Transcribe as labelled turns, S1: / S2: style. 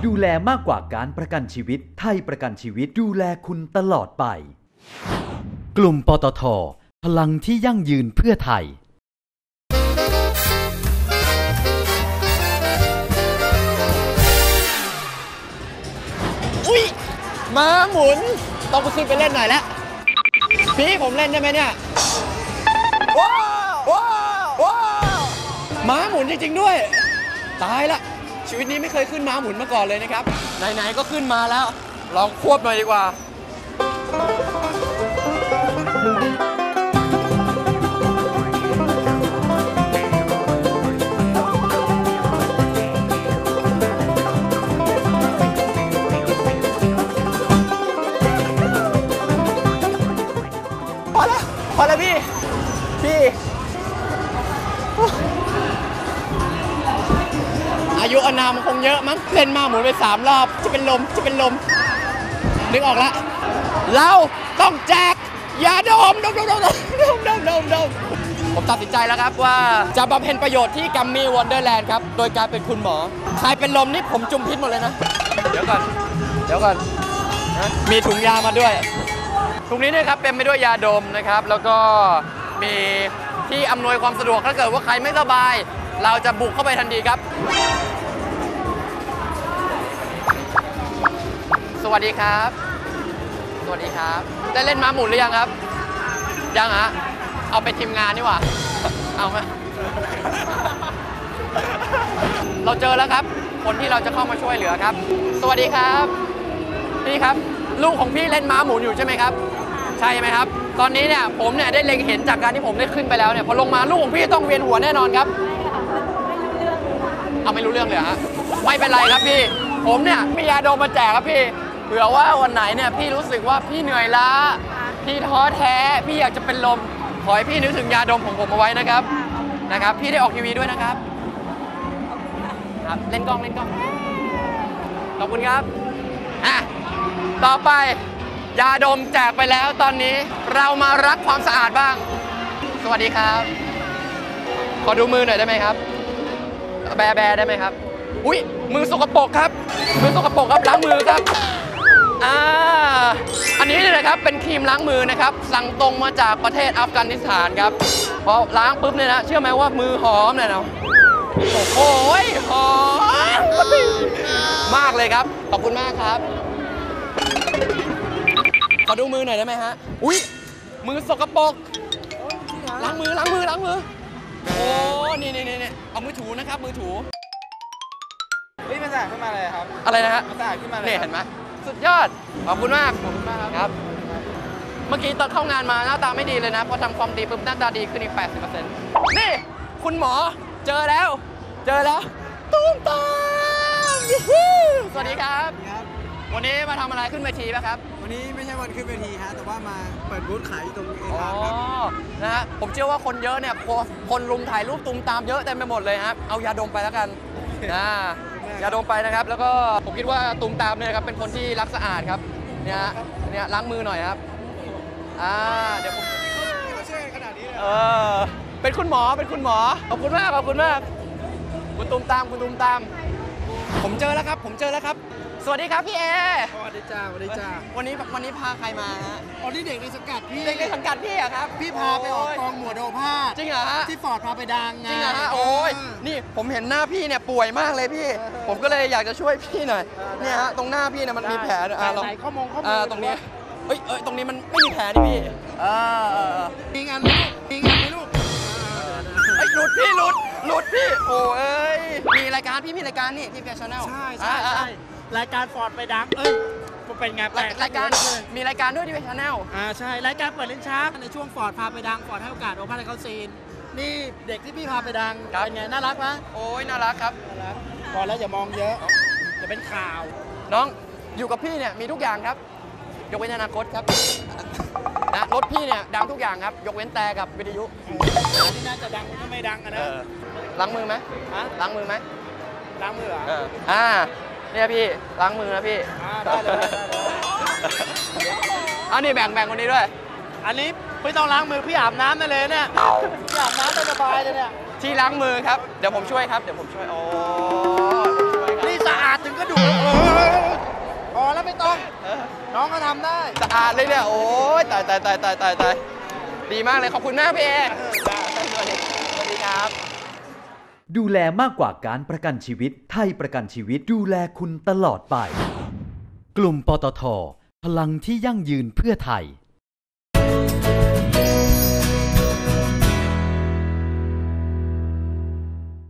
S1: ดูแลมากกว่าการประกันชีวิตไทยประกันชีวิตดูแลคุณตลอดไปกลุ่มปตท.พลังที่ยั่งยืนเพื่อไทย
S2: อุ๊ยม้าหมุนต้องไปขึ้นไปเล่นหน่อยแล้วพี่ผมเล่นได้ไหมเนี่ยว้าวว้าวว้าวม้าหมุนจริงๆด้วยตายละชีวิตนี้ไม่เคยขึ้นม้าหมุนมาก่อนเลยนะครับไหนๆก็ขึ้นมาแล้วลองควบหน่อยดีกว่าพอแล้วพี่อายุอานามมันคงเยอะมั้งเล่นมาหมุนไป3 รอบจะเป็นลมนึกออกละเราต้องแจกยาดมผมตัดสินใจแล้วครับว่าจะบำเพ็ญประโยชน์ที่กัมมี่วันเดอร์แลนด์ครับโดยการเป็นคุณหมอใครเป็นลมนี่ผมจุ่มพิษหมดเลยนะเดี๋ยวก่อนมีถุงยามาด้วยถุงนี้นะครับเป็นไปด้วยยาดมนะครับแล้วก็มีที่อำนวยความสะดวกถ้าเกิดว่าใครไม่สบายเราจะบุกเข้าไปทันทีครับสวัสดีครับได้เล่นม้าหมุนหรือยังครับยังฮะเอาไปทีมงานนี่หว่าเอาไหมเราเจอแล้วครับคนที่เราจะเข้ามาช่วยเหลือครับสวัสดีครับพี่ครับลูกของพี่เล่นม้าหมุนอยู่ใช่ไหมครับใช่ไหมครับตอนนี้เนี่ยผมเนี่ยได้เล็งเห็นจากการที่ผมได้ขึ้นไปแล้วเนี่ยพอลงมาลูกของพี่ต้องเวียนหัวแน่นอนครับเอาไม่รู้เรื่องเลยฮะไม่เป็นไรครับพี่ผมเนี่ยมียาดมมาแจกครับพี่เผื่อว่าวันไหนเนี่ยพี่รู้สึกว่าพี่เหนื่อยล้าพี่ท้อแท้พี่อยากจะเป็นลมขอให้พี่นึกถึงยาดมของผมเอาไว้นะครับพี่ได้ออกทีวีด้วยนะครับเล่นกล้องขอบคุณครับต่อไปยาดมแจกไปแล้วตอนนี้เรามารักความสะอาดบ้างสวัสดีครับขอดูมือหน่อยได้ไหมครับแบได้ไหมครับอุ้ยมือสกปรกครับล้างมือครับอันนี้เนี่ยนะครับเป็นครีมล้างมือนะครับสั่งตรงมาจากประเทศอัฟกานิสถานครับพอล้างปุ๊บเนี่ยนะเชื่อไหมว่ามือหอมเลยนะโอ้โหหอมมากเลยครับขอบคุณมากครับขอดูมือหน่อยได้ไหมฮะอุ้ยมือสกปรกล้างมือโอ้นี่เอามือถูนะครับมือถูมันสะอาดขึ้นมาเลยครับอะไรนะฮะมันสะอาดขึ้นมาเลยเห็นไหมสุดยอดขอบคุณมากครับเมื่อกี้ตอนเข้างานมาหน้าตาไม่ดีเลยนะพอทำความดีปุ๊บหน้าตาดีขึ้นอีก 80% นี่คุณหมอเจอแล้วตุ้มตามสวัสดีครับวันนี้มาทำอะไรขึ้นเวทีป่ะครับ
S3: วันนี้ไม่ใช่วันขึ้นเวทีฮะแต่ว่ามาเปิดบูธขายตรงเอทามครับ
S2: นะฮะผมเชื่อว่าคนเยอะเนี่ยคนรุมถ่ายรูปตุ้มตามเยอะเต็มไปหมดเลยครับเอายาดมไปแล้วกันยาดมไปนะครับแล้วก็ผมคิดว่าตุ้มตามเนี่ยครับเป็นคนที่รักสะอาดครับเนี่ยล้างมือหน่อยครับเดี๋ยวผม
S3: ช่วยขนาดนี้เลย
S2: เป็นคุณหมอขอบคุณมากคุณตุ้มตามผมเจอแล้วครับสวัสดีครับพี่แอร์
S3: สวัสดีจ้า
S2: วันนี้พาใครมาฮะ
S3: นี่เด็กในสังกัดพี่
S2: อะครับ
S3: พี่พาไปออกกองหมวดโอภาส
S2: จริงเหรอฮะ
S3: ที่ฟอร์ดพาไปดัง
S2: จริงเหรอฮะโอ้ยนี่ผมเห็นหน้าพี่เนี่ยป่วยมากเลยพี่ผมก็เลยอยากจะช่วยพี่หน่อยเนี่ยฮะตรงหน้าพี่เนี่ยมันมีแผล
S3: ไหนข้อมือ
S2: ตรงนี้ตรงนี้มันไม่มีแผลนี่พี่
S3: มีงานไหมลูก
S2: หลุดพี่โอ้ยมีรายการนี่ที่เฟียชั่นแนล
S3: ใช่รายการฟอร์ดไปดังเป็นไง
S2: รายการมีรายการด้วยที่เฟียชั่นแนล
S3: ใช่รายการเปิดลิ้นชักในช่วงฟอร์ดพาไปดังฟอร์ดให้โอกาสโอภาสให้เขาซีนนี่เด็กที่พี่พาไปดังเป็นไงน่ารักไหม
S2: โอ้ยน่ารักครับ
S3: พอแล้วอย่ามองเยอะจะเป็นข่าว
S2: น้องอยู่กับพี่เนี่ยมีทุกอย่างครับยกเว้นอนาคตครับนะรถพี่เนี่ยดังทุกอย่างครับยกเว้นแต่กับวิทยุ
S3: ที่น่าจะดังก็ไม่ดังนะ
S2: ล้างมือไหมล้างมือเหรอเนี่ยพี่ล้างมือนะพี่
S3: ได้เลย
S2: นี่แบ่งคนนี้ด้วย
S3: อันนี้ไม่ต้องล้างมือพี่อาบน้ำได้เลยเนี่ยพี่อาบน้ำได้สบายเลยเนี่ย
S2: ที่ล้างมือครับเดี๋ยวผมช่วยครับโอ้
S3: นี่สะอาดถึงขก็ดูพอแล้วไม่ต้องน้องก็ทำได้
S2: สะอาดเลยเนี่ยโอ้ยตายดีมากเลยขอบคุณมากพี่เอสวัสดีครับ
S1: ดูแลมากกว่าการประกันชีวิตไทยประกันชีวิตดูแลคุณตลอดไป กลุ่มปตท.พลังที่ยั่งยืนเพื่อไทย